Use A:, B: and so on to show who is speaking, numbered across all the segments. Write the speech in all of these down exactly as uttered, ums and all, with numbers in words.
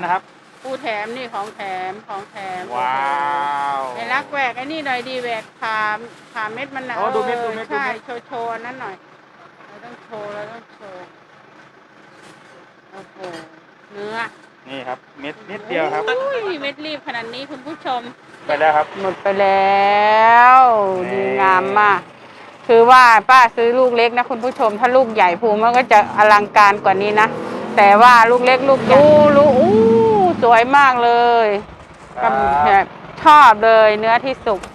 A: นะครับ
B: ปูแถมนี่ของแถมของแถม
A: ว้าว
B: ไอ้รักแหวกไอ้นี่หน่อยดีแหวกผ่าผ่าเม็ดมันนะ
A: โอ้ดูเม็ดดูเม็ดดู
B: ใช่
A: เม็ด
B: โชว์โชว์นั้นหน่อยเราต้องโชว์เราต้องโชว์โอ้โหเนื้อ
A: นี่ครับเม็ดนิดเดียวครับ
B: อุ้ยเม็ดรีบขนาดนี้คุณผู้ชม
A: ไปแล้วครับ
B: หมดไปแล้วดีงามมากคือว่าป้าซื้อลูกเล็กนะคุณผู้ชมถ้าลูกใหญ่ภูมิมันก็จะอลังการกว่านี้นะแต่ว่าลูกเล็กลูกดูลูกอู้สวยมากเลยแบบชอบเลยเนื้อที่สุก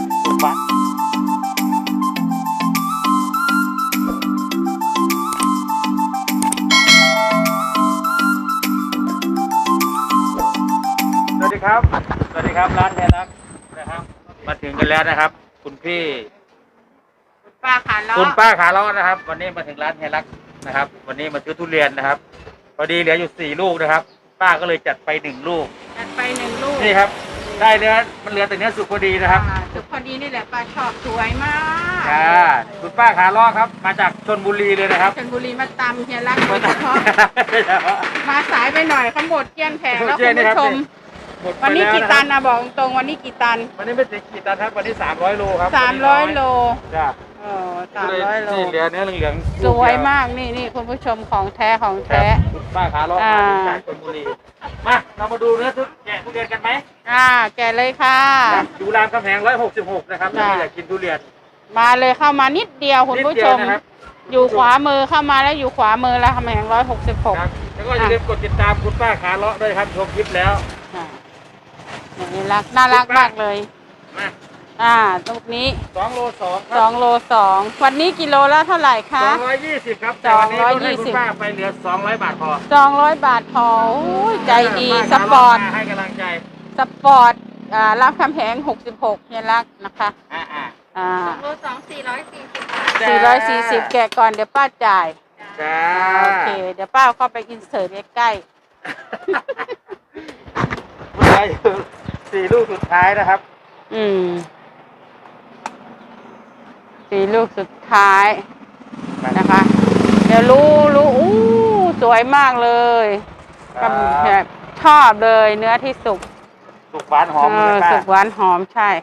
A: สวัสดีครับสวัสดีครับร้านแทนรักนะครับมาถึงกันแล้วนะครับคุณพี่
B: คุณป้าขาล้อ
A: คุณป้าขาล้อนะครับวันนี้มาถึงร้านแทนรักนะครับวันนี้มาซื้อทุเรียนนะครับพอดีเหลืออยู่สี่ลูกนะครับป้าก็เลยจัดไปหนึ่งลูก
B: จัดไปหนึ่งลูก
A: นี่ครับได้เนื้อมันเหลือแต่เนื้อสุกพอดีนะครับ
B: สุกพอดีนี่แหละป้าชอบสวยมาก
A: ค่ะคุณป้าขาล้อครับมาจากชลบุรีเลยนะครับ
B: ชลบุรีมาตำเฮียรักโดยเฉพาะมาสายไปหน่อยเขาหมดเกลี้ยงแผงแล้วคุณผู้ชมวันนี้กี่ตันนะบอกตรงวันนี้กี่ตัน
A: วันนี้ไม่ถึงกี่ตันครับวันนี้สามร้อยโลครับ
B: สามร้อยโล
A: จ้า
B: เออสามร้อยโล
A: เหลือเนื้อเหลือง
B: สวยมากนี่นี่คุณผู้ชมของแท้ของแท้
A: ป้าขาล้อมาจากชลบุรีมาเรามาดูเนื้อทุแกะทุเรียนกันไหม
B: อ่าแกะเลยค่ะ
A: อยู่รามคำแหงร้อยหกสิบหกนะครับถ้าอยากกินทุเรียน
B: มาเลยเข้ามานิดเดียวคุณผู้ชมอยู่ขวามือเข้ามาแล้วอยู่ขวามือแล้วคำแหงร้อยหกสิบหก
A: แล้วก็อย่าลืมกดติดตามคุณป้าขาล้อด้วยครับชมคลิปแล้ว
B: นี่รักน่ารักมากเลยอ่าตรงนี้
A: สองโลสอง
B: สองโลสองวันนี้กิโลละเท่าไหร่คะ
A: สองร้อยยี่สิบครับแต่วันนี้ลดให้คุณป้าไปเหลือสองร้อยบาทพอ
B: สองร้อยบาทพอใจดีสปอร์ต
A: ให้กำลังใจ
B: สปอร์ตอ่ารับคำแหงหกสิบหกเนี่ยรักนะคะ
A: อ่าอ่า
B: อ่า
C: สองโลสองสี่ร้อยสี่สิบ
B: สี่ร้อยสี่สิบแกะก่อนเดี๋ยวป้าจ่าย
A: จ้า
B: โอเคเดี๋ยวป้าเข้าไปอินเสิร์ตใกล้
A: สี่ลูกสุดท้ายนะครับ
B: อืมสี่ลูกสุดท้ายนะคะเดี๋ยวรู้รู้อู้สวยมากเลยแบบชอบเลยเนื้อที่สุก
A: สุกหวานหอมเลยป้า
B: สุกหวานหอมใช่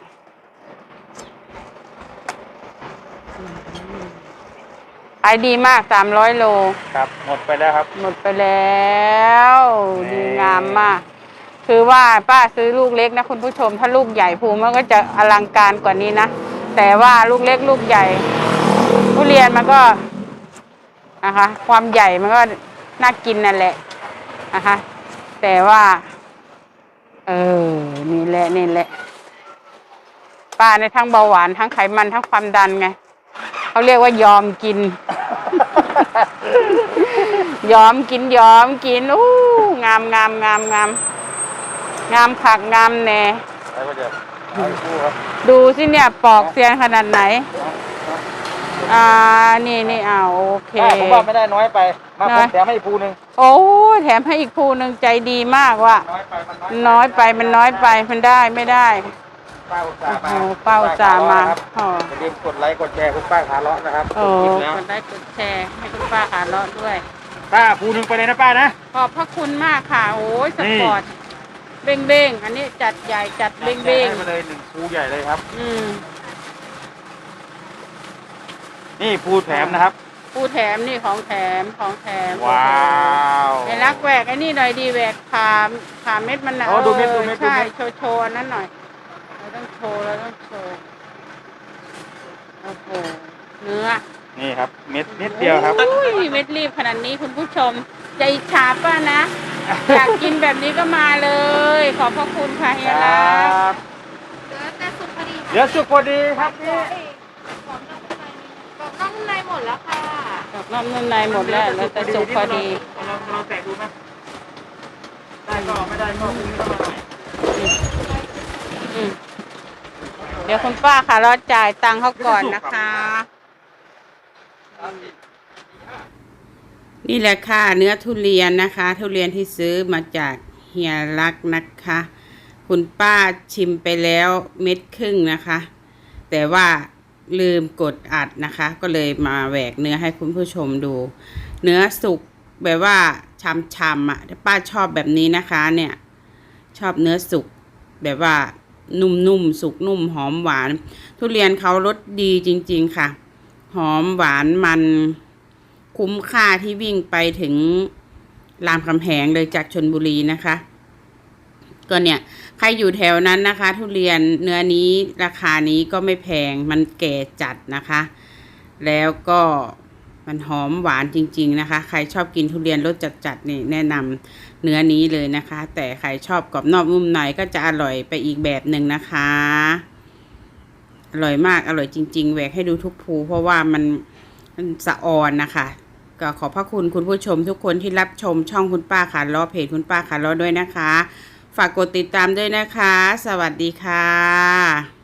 B: ขายดีมากสามร้อยโล
A: ครับหมดไปแล้วครับ
B: หมดไปแล้วดีงามมากคือว่าป้าซื้อลูกเล็กนะคุณผู้ชมถ้าลูกใหญ่ภูมิมันก็จะอลังการกว่านี้นะแต่ว่าลูกเล็กลูกใหญ่ทุเรียนมันก็นะคะความใหญ่มันก็น่ากินนั่นแหละนะคะแต่ว่าเออนี่แหละนี่แหละป้าในทั้งเบาหวานทั้งไขมันทั้งความดันไงเขาเรียกว่ายอมกิน ยอมกินยอมกินอู้งามงามงามงามงามผักงามแหน่ดูสิเนี่ยปอกเซียนขนาดไหนอ่านี่นี่อ่าโอเค
A: ผมว่าไม่ได้น้อยไปมาผมแถมให้อีกภูนึง
B: โอ้แถมให้อีกภูนึงใจดีมากว่ะน้อยไปมันน้อยไปมันได้ไม่ได้
A: ป้าอุตส่าห์มา
B: เป้าจ่ามา
A: อย่าลืมกดไลค์กดแชร์คุณป้าขาเลาะนะครับ
B: โอ้กดไลค์กดแชร์ให้คุณป้าขาเลาะด้วย
A: ป้าภูนึงไปเลยนะป้านะ
B: ขอบพระคุณมากค่ะโอ้ยสปอร์ตเบ้งเบ้งอันนี้จัดใหญ่จัดเบ้งเบ้ง
A: มาเลยหนึ่งภูใหญ่เลยครับ
B: อืม
A: นี่ภูแถมนะครับ
B: ภูแถมนี่ของแถมของแถม
A: ว้าว
B: ไอ้รักแหวกไอ้นี่หน่อยดีแหวกผ่าผ่าเม็ดมันนะ
A: โอ้ดูเม็ดดูเม็ด
B: ใช่โชว์โชว์นั้นหน่อยเราต้องโชว์เราต้องโชว์โอ้โหเนื้อ
A: นี่ครับเม็ดนิดเดียวครับ
B: อุ้ยเม็ดรีบขนาดนี้คุณผู้ชมใจฉาป้านะอยากกินแบบนี้ก็มาเลยขอบพระคุณค่ะเฮียรัก
C: เหลือแต่สุกพอดี
A: เหลือสุกพอดีครับนี่
C: กรอบนอกนุ่มในหมดแล้วค่ะ
B: กรอบนอกนุ่มในหมดแล้วแล้วแต่สุกพอดี
A: เราเราแตะดูไหมได้ก็ไม่ได้ก็คุณก็มาใหม่
B: เดี๋ยวคุณป้าค่ะเราจ่ายตังค์เขาก่อนนะคะนี่แหละค่ะเนื้อทุเรียนนะคะทุเรียนที่ซื้อมาจากเฮียรักนะคะคุณป้าชิมไปแล้วเม็ดครึ่งนะคะแต่ว่าลืมกดอัดนะคะก็เลยมาแหวกเนื้อให้คุณผู้ชมดูเนื้อสุกแบบว่าชำๆอ่ะป้าชอบแบบนี้นะคะเนี่ยชอบเนื้อสุกแบบว่านุ่มๆสุกนุ่มหอมหวานทุเรียนเขารสดีจริงๆค่ะหอมหวานมันคุ้มค่าที่วิ่งไปถึงรามคำแหงเลยจากชลบุรีนะคะก็เนี่ยใครอยู่แถวนั้นนะคะทุเรียนเนื้อนี้ราคานี้ก็ไม่แพงมันแก่จัดนะคะแล้วก็มันหอมหวานจริงๆนะคะใครชอบกินทุเรียนรสจัดๆนี่แนะนำเนื้อนี้เลยนะคะแต่ใครชอบกรอบนอกนุ่มในก็จะอร่อยไปอีกแบบหนึ่งนะคะอร่อยมากอร่อยจริงๆแหวกให้ดูทุกภูเพราะว่ามันมันสะออนนะคะก็ขอบพระคุณคุณผู้ชมทุกคนที่รับชมช่องคุณป้าขาล้อเพจคุณป้าขาล้อด้วยนะคะฝากกดติดตามด้วยนะคะสวัสดีค่ะ